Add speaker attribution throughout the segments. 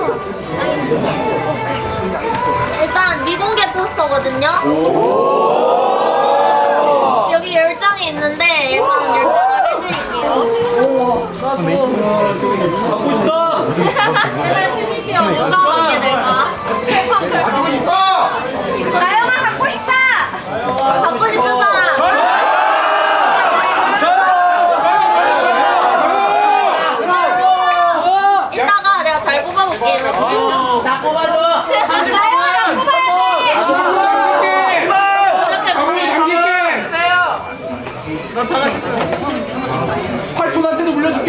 Speaker 1: 일단 미공개 포스터거든요. 여기 10장이 있는데 일단 10장을 해드릴게요.
Speaker 2: 갖고 싶다.
Speaker 1: 누가 먹게 될까?
Speaker 3: 갖고 싶다!
Speaker 1: 나영아 갖고 싶다! 갖고 싶은 사람! 이따가 내가 잘 뽑아볼게요.
Speaker 2: 나 뽑아줘.
Speaker 1: 나영아 뽑아야 돼! 이렇게 먹게.
Speaker 2: 팔촌한테도 물려줄게.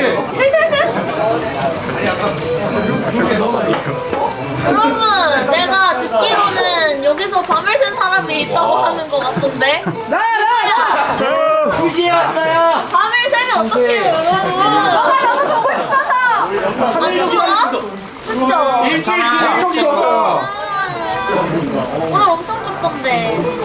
Speaker 1: 여러분, 내가 듣기로는 여기서 밤을 샌 사람이 있다고 하는 것 같던데?
Speaker 2: 나야. 2시에 왔어요.
Speaker 1: 밤을 새면 어떡해요, 여러분? 너무 보고 싶어서! 안 추워? 춥죠?
Speaker 2: 일주일
Speaker 3: 엄청 좋아.
Speaker 1: 오늘 엄청 춥던데.